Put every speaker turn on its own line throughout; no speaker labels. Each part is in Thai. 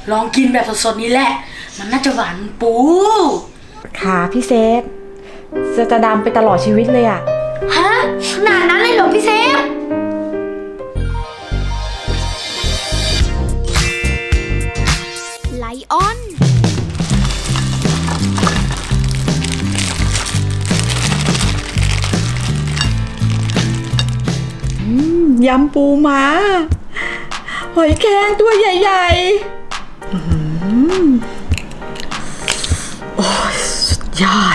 ลองกินแบบสดๆนี่แหละมันน่าจะหวานปู
ค่ะพี่เซฟจะดำไปตลอดชีวิตเลยอะ
ฮะขนาดนั้นเลยเหรอพี่เซฟไลออน
ยำปูม้าหอยแครงตัวใหญ่ๆโอ้ยสุดยอด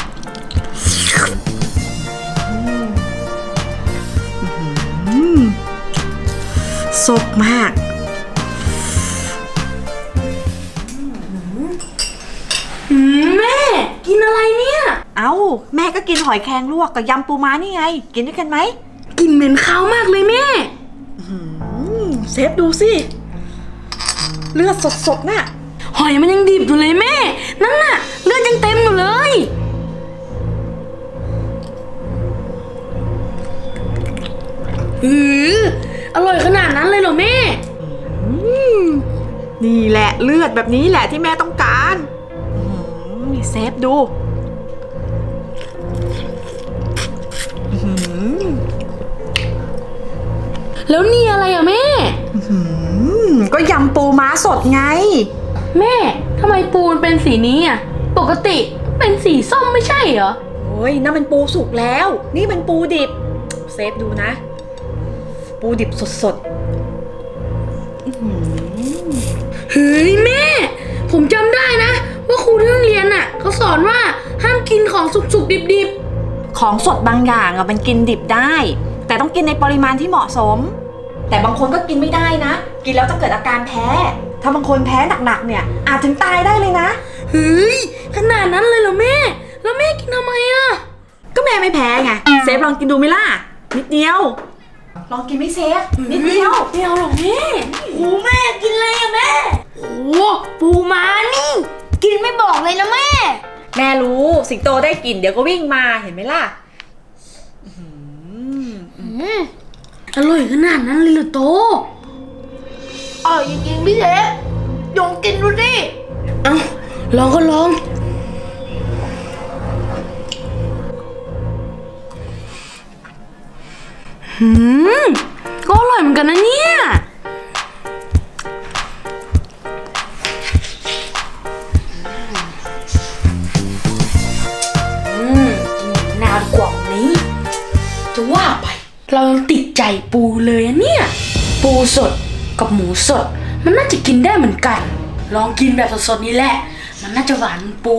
สดมาก
แม่กินอะไรเนี่ย
เอ้าแม่ก็กินหอยแครงลวกกับยำปูม้านี่ไงกินด้วยกันไหม
กินเหม็นข้าวมากเลยแม่
เซฟดูสิเลือดสดๆน่ะ
หอยมันยังดิบอยู่เลยแม่นั่นน่ะเลือดยังเต็มอยู่เลยอร่อยขนาดนั้นเลยเหรอแม่
นี่แหละเลือดแบบนี้แหละที่แม่ต้องการเซฟดู
แล้วนี่อะไรอะแม่
ก็ยำปูม้าสดไง
แม่ทำไมปูมันเป็นสีนี้อะปกติเป็นสีส้มไม่ใช่เหรอ
โอ้ยนั่นมันปูสุกแล้วนี่เป็นปูดิบเซฟดูนะปูดิบสด
เฮ้ยแม่ผมจำได้นะว่าครูที่โรงเรียนน่ะเขาสอนว่าห้ามกินของสุกๆดิบ
ๆของสดบางอย่างอะมันกินดิบได้แต่ต้องกินในปริมาณที่เหมาะสมแต่บางคนก็กินไม่ได้นะกินแล้วจะเกิดอาการแพ้ถ้าบางคนแพ้หนักๆเนี่ยอาจถึงตายได้เลยนะ
เฮ้ยขนาดนั้นเลยเหรอแม่แล้วแม่กินทำไมอะ
ก็แม่ไม่แพ้ไงเซฟลองกินดูไหมล่ะนิดเดียวลองกินไม่เซฟนิดเดียว
ไม่เอาหรอกแม่
โอ้แม่กินอะไรอะแม่โอ้ปูม้านี่กินไม่บอกเลยนะแม่
แม่รู้สิงโตได้กลิ่นเดี๋ยวก็วิ่งมาเห็นไหมล่ะ
อร่อยขนาดนั้นเลยเหรอโต
อร่อยจริงๆพี่เซฟยงกินดูสิ
เอาลองก็ลองก็อร่อยเหมือนกันนะเนี่ยนานกว่านี้จะว่าไปเรายังติดใจปูเลยอะเนี่ยปูสดกับหมูสดมันน่าจะกินได้เหมือนกันลองกินแบบสดๆนี่แหละมันน่าจะหวานปู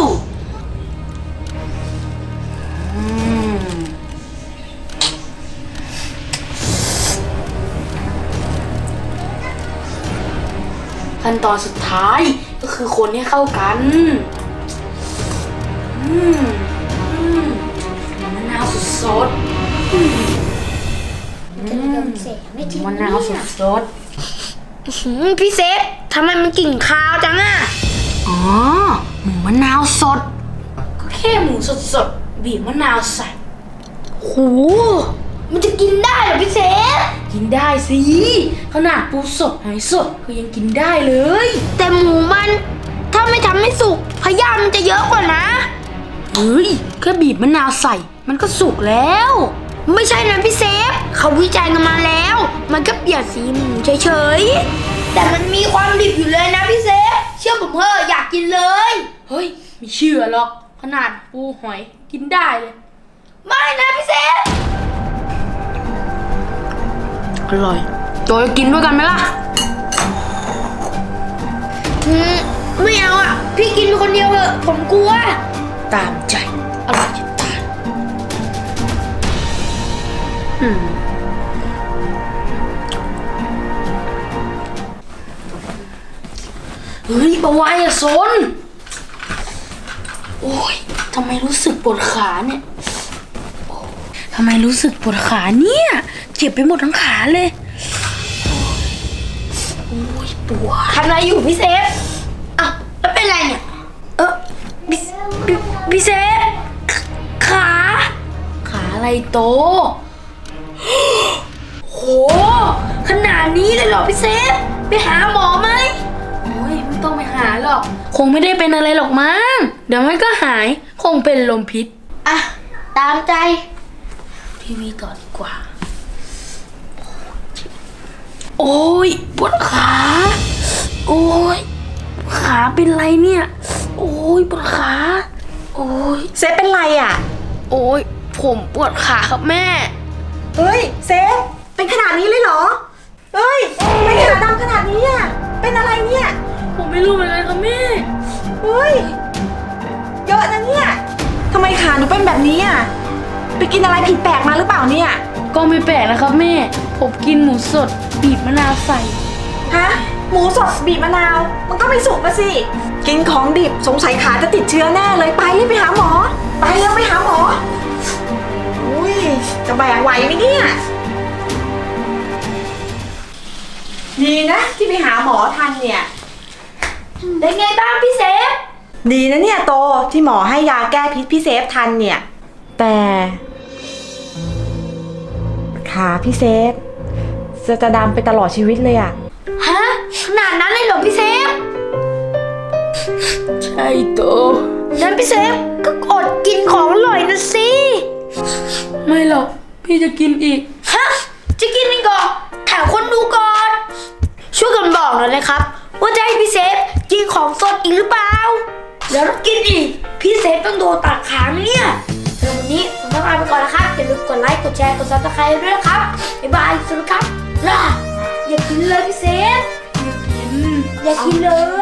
ขั้นตอนสุดท้ายก็คือคนให้เข้ากันมะนาวสดๆมะนาวสด
พี่เซฟทำไมมันกลิ่นคาวจังอะ
อ๋อหมูมะนาวสดก็แค่หมูสดๆบีบมะนาวใส่
โหมันจะกินได้เหรอพี่เซฟ
กินได้สิขนาดปูสดหอยสดก็ยังกินได้เลย
แต่หมูมันถ้าไม่ทำให้สุกพยาธิมันจะเยอะกว่านะ
เฮ้ยแค่บีบมะนาวใส่มันก็สุกแล้ว
ไม่ใช่นะพี่เซฟเขาวิจัยกันมาแล้วมันก็เปลี่ยนสีหมูเฉยๆแต่มันมีความดิบอยู่เลยนะพี่เซฟเชื่อผมเถอะอยากกินเลย
เฮ้ยไม่เชื่อหรอกขนาดปูหอยกินได้เลย
ไม่นะพี่เซฟ
อร่อยโจจะกินด้วยกันไหมล่ะ
ไม่เอาอ่ะพี่กินคนเดียวเถอะผมกลัว
ตามใจอร่อยจะตายเฮ้ยปะวายอะโซนโอ้ยทำไมรู้สึกปวดขาเนี่ยทำไมรู้สึกปวดขาเนี่ยเจ็บไปหมดทั้งขาเลยโอ้ยปวด
ทำอะไรอยู่พี่เซฟอ้าวแล้วเป็นไรเนี่ยพี่เซฟขา
อะไรโต
โหขนาดนี้เลยเหรอพี่เซฟไปหาหมอไหม
โอ้ยไม่ายหรอก คงไม่ได้เป็นอะไรหรอกมั้ง เดี๋ยวมันก็หาย คงเป็นลมพิษ
อ่ะ ตามใจ
ทีวีต่อดีกว่า โอ้ยปวดขา โอ้ยขาเป็นไรเนี่ย โอ้ยปวดขา โอ้ย
เซฟเป็นไรอ่ะ
โอ้ยผมปวดขาครับแม่
เฮ้ยเซฟเป็นขนาดนี้เลยเหรอ เฮ้ยทำไมขาดำขนาดนี้อ่ะ เป็นอะไรเนี่ย
ผมไม่รู้เหมือนกันครับแม่
เฮ้ย เยอะนะเนี่ยทำไมขาหนูเป็นแบบนี้อ่ะ ไปกินอะไรผิดแปลกมาหรือเปล่าเนี่ย
ก็ไม่แปลกนะครับแม่ ผมกินหมูสดบีบมะนาวใส่
ฮะ หมูสดบีบมะนาว มันก็ไม่สุกนะสิ กินของดิบสงสัยขาจะติดเชื้อแน่เลยไปรีบไปหาหมอ ไปเร็วไปหาหมอ อุ้ยจะแบกไหวไหมเนี่ยดีนะที่ไปหาหมอทันเนี่ย
ได้ไงบ้างพี่เซฟ
ดีนะเนี่ยโตที่หมอให้ยาแก้พิษพี่เซฟทันเนี่ย แต่ขาพี่เซฟจะดำไปตลอดชีวิตเลยอะ
ฮะ ขนาดนั้นเลยเหรอพี่เซฟ
ใช่โต
งั้นพี่เซฟก็อดกินของอร่อยนะสิ
ไม่หรอก พี่จะกินอีก
ฮะ จะกินอีกเหรอถามคนดูก่อน ช่วยกันบอกหน่อยเลยครับ ว่าจะให้พี่เซฟกินของสดอีกหรือเปล่า แล้วถ้ากินอีก พี่เซฟต้องโดนตัดขาไหมเนี่ยสำหรับวันนี้ผมต้องลาไปก่อนนะครับ อย่าลืมกดไลค์ กดแชร์ กดซับสไครต์ด้วยนะครับ บ๊ายบาย สวัสดีครับลาอย่ากินเลยพี่เซฟ อย่ากินเลย